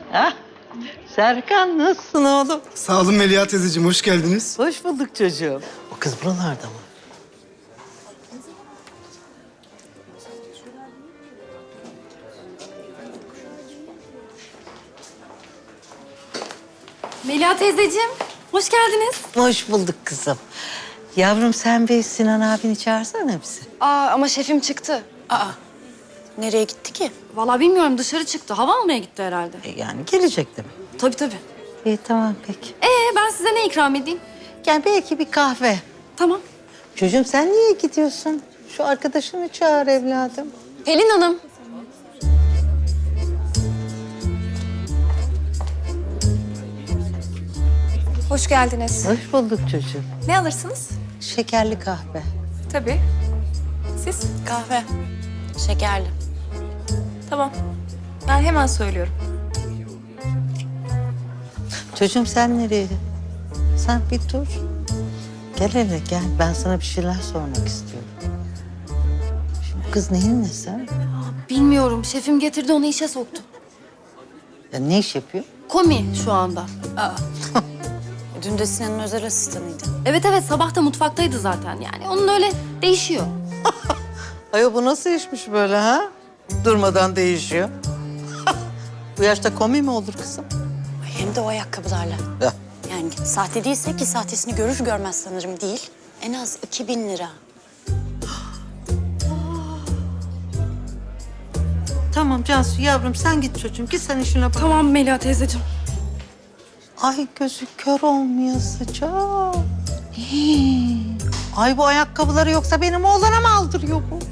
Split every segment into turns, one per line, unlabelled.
Ah, Serkan nasılsın oğlum?
Sağ olun Melia teyzeciğim, hoş geldiniz.
Hoş bulduk çocuğum. O kız buralarda mı?
Melia teyzeciğim, hoş geldiniz.
Hoş bulduk kızım. Yavrum sen bir Sinan abini çağırsana bize.
Ama şefim çıktı.
Nereye gitti ki?
Vallahi bilmiyorum, dışarı çıktı. Hava almaya gitti herhalde.
Yani gelecek değil mi?
Tabii.
İyi tamam peki.
Ben size ne ikram edeyim?
Gel belki bir kahve.
Tamam.
Çocuğum sen niye gidiyorsun? Şu arkadaşını çağır evladım.
Pelin Hanım.
Hoş geldiniz.
Hoş bulduk çocuğum.
Ne alırsınız?
Şekerli kahve.
Tabii. Siz?
Kahve. Şekerli.
Tamam. Ben hemen söylüyorum.
Çocuğum sen nereye? Sen bir dur. Gel hele gel. Ben sana bir şeyler sormak istiyorum. Şimdi kız neyin nesi?
Bilmiyorum, şefim getirdi onu işe soktu.
Ya ne iş yapıyor?
Komi şu anda.
Dün de Sinan'ın özel asistanıydı.
Evet, sabah da mutfaktaydı zaten yani. Onun öyle değişiyor.
Ay bu nasıl işmiş böyle ha? Durmadan değişiyor. Bu yaşta komi mi olur kızım?
Hem de o ayakkabılarla.
Ya.
Yani sahte değilse ki sahtesini görür görmez sanırım değil. En az 2000 lira.
Tamam Cansu yavrum sen git çocuğum. Git sen işine bak.
Tamam Melia teyzeciğim.
Ay gözü kör olmayasıca. Hii. Ay bu ayakkabıları yoksa benim oğlana mı aldırıyor bu?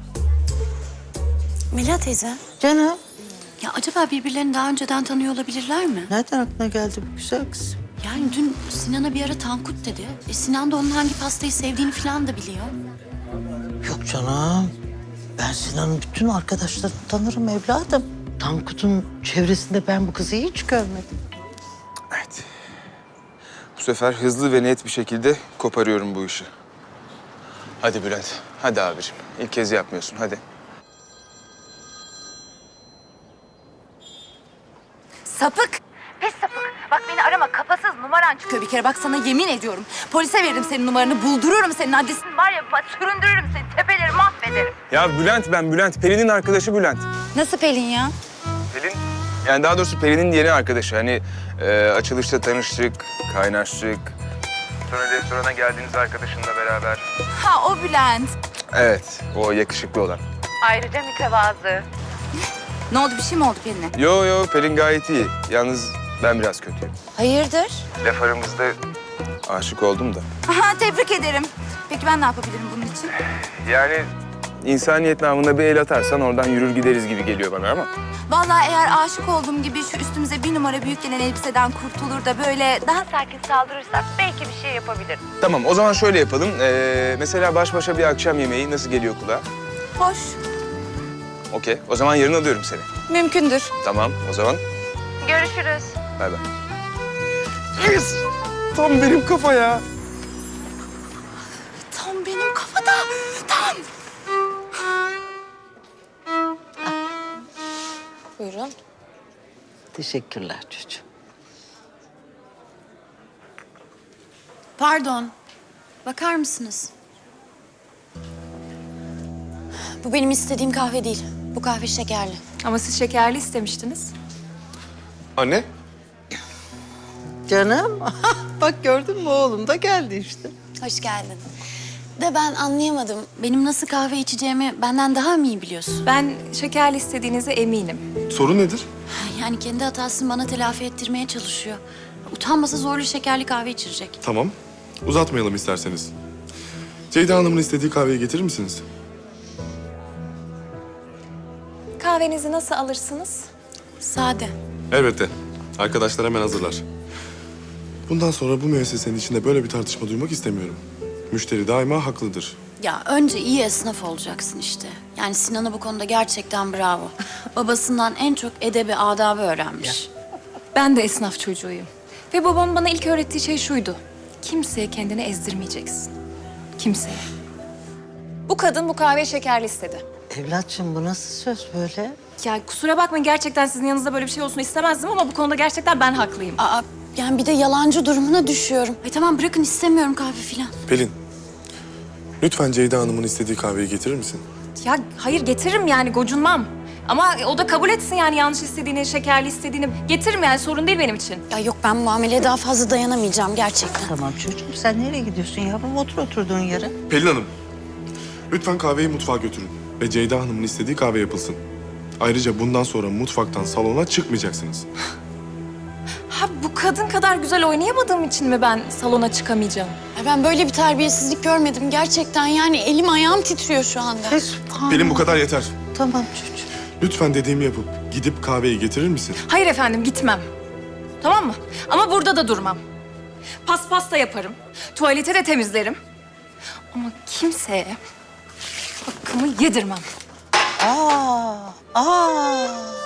Melia teyze.
Canım.
Ya acaba birbirlerini daha önceden tanıyor olabilirler mi?
Nereden aklına geldi bu güzel kız?
Yani dün Sinan'a bir ara Tankut dedi. Sinan da onun hangi pastayı sevdiğini falan da biliyor.
Yok canım. Ben Sinan'ın bütün arkadaşlarını tanırım evladım. Tankut'un çevresinde ben bu kızı hiç görmedim.
Evet. Bu sefer hızlı ve net bir şekilde koparıyorum bu işi. Hadi Bülent, hadi abiciğim. İlk kez yapmıyorsun, hadi.
Sapık. Pis sapık. Bak beni arama. Kafasız numaran çıkıyor bir kere. Bak sana yemin ediyorum. Polise veririm senin numaranı. Buldururum senin adresini. Var ya bak süründürürüm seni. Tepeleri mahvederim.
Ya Bülent ben, Bülent. Pelin'in arkadaşı Bülent.
Nasıl Pelin ya?
Pelin, yani daha doğrusu Pelin'in yeni arkadaşı. Hani açılışta tanıştık, kaynaştık. Sonra restorana geldiğiniz arkadaşınla beraber.
Ha o Bülent.
Evet, o yakışıklı olan.
Ayrıca mütevazı. Ne oldu? Bir şey mi oldu Pelin'e?
Yo, Pelin gayet iyi. Yalnız ben biraz kötüyüm.
Hayırdır?
Laf aramızda aşık oldum da.
Aha tebrik ederim. Peki ben ne yapabilirim bunun için?
Yani insaniyet namına bir el atarsan oradan yürür gideriz gibi geliyor bana ama.
Vallahi eğer aşık olduğum gibi şu üstümüze 1 numara büyük gelen elbiseden kurtulur da böyle daha sakin saldırırsak belki bir şey yapabilirim.
Tamam, o zaman şöyle yapalım. Mesela baş başa bir akşam yemeği nasıl geliyor kulağa?
Hoş.
Okey, o zaman yarın alıyorum seni.
Mümkündür.
Tamam, o zaman
Görüşürüz.
bay bay. Yes! Tam benim kafa ya.
Tam benim kafada. Tam.
Buyurun.
Teşekkürler çocuğum.
Pardon. Bakar mısınız? Bu benim istediğim kahve değil. Bu kahve şekerli.
Ama siz şekerli istemiştiniz.
Anne?
Canım. Bak gördün mü oğlum da geldi işte.
Hoş geldin. De ben anlayamadım. Benim nasıl kahve içeceğimi benden daha mı iyi biliyorsun?
Ben şekerli istediğinize eminim.
Sorun nedir?
Yani kendi hatasını bana telafi ettirmeye çalışıyor. Utanmasa zorlu şekerli kahve içirecek.
Tamam. Uzatmayalım isterseniz. Ceyda Hanım'ın istediği kahveyi getirir misiniz?
Kahvenizi nasıl alırsınız?
Sade.
Elbette. Arkadaşlar hemen hazırlar. Bundan sonra bu müessesenin içinde böyle bir tartışma duymak istemiyorum. Müşteri daima haklıdır.
Ya önce iyi esnaf olacaksın işte. Yani Sinan'a bu konuda gerçekten bravo. Babasından en çok edebi, adabı öğrenmiş.
Ben de esnaf çocuğuyum. Ve babamın bana ilk öğrettiği şey şuydu. Kimseye kendini ezdirmeyeceksin. Kimseye. Bu kadın bu kahveyi şekerli istedi.
Evlatçım bu nasıl söz böyle?
Ya kusura bakmayın, gerçekten sizin yanınızda böyle bir şey olsun istemezdim ama bu konuda gerçekten ben haklıyım.
Aa, yani bir de yalancı durumuna düşüyorum. Ay tamam bırakın, istemiyorum kahve filan.
Pelin, lütfen Ceyda Hanım'ın istediği kahveyi getirir misin?
Ya hayır, getiririm yani, gocunmam. Ama o da kabul etsin yani, yanlış istediğini, şekerli istediğini. Getiririm yani, sorun değil benim için.
Ya yok, ben muameleye daha fazla dayanamayacağım gerçekten.
Tamam çocuğum sen nereye gidiyorsun yavrum? Otur oturduğun yere.
Pelin Hanım, lütfen kahveyi mutfağa götürün ve Ceyda Hanım'ın istediği kahve yapılsın. Ayrıca bundan sonra mutfaktan salona çıkmayacaksınız.
Ha, bu kadın kadar güzel oynayamadığım için mi ben salona çıkamayacağım?
Ya ben böyle bir terbiyesizlik görmedim gerçekten, yani elim ayağım titriyor şu anda.
Pelin bu kadar yeter.
Tamam çocuğum.
Lütfen dediğimi yapıp gidip kahveyi getirir misin?
Hayır efendim, gitmem. Tamam mı? Ama burada da durmam. Paspas da yaparım. Tuvalete de temizlerim. Ama kimseye hakkımı yedirmem.
Aa.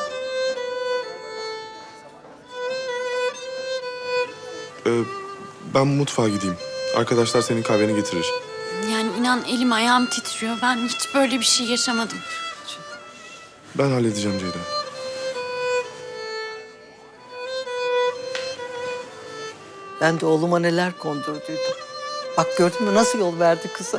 Ben mutfağa gideyim. Arkadaşlar senin kahveni getirir.
Yani inan elim ayağım titriyor. Ben hiç böyle bir şey yaşamadım.
Ben halledeceğim Ceyda.
Ben de oğluma neler kondurduydum. Bak gördün mü nasıl yol verdi kıza?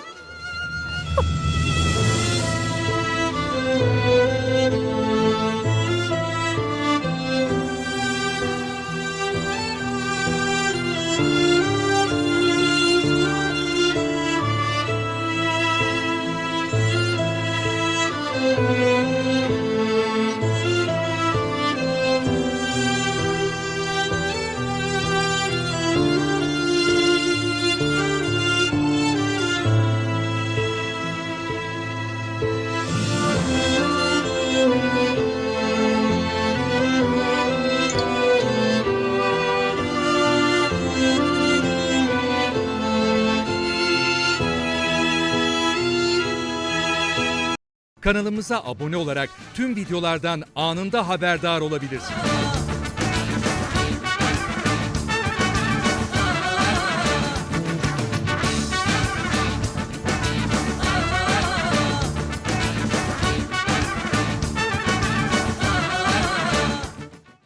Kanalımıza abone olarak tüm videolardan anında haberdar olabilirsiniz.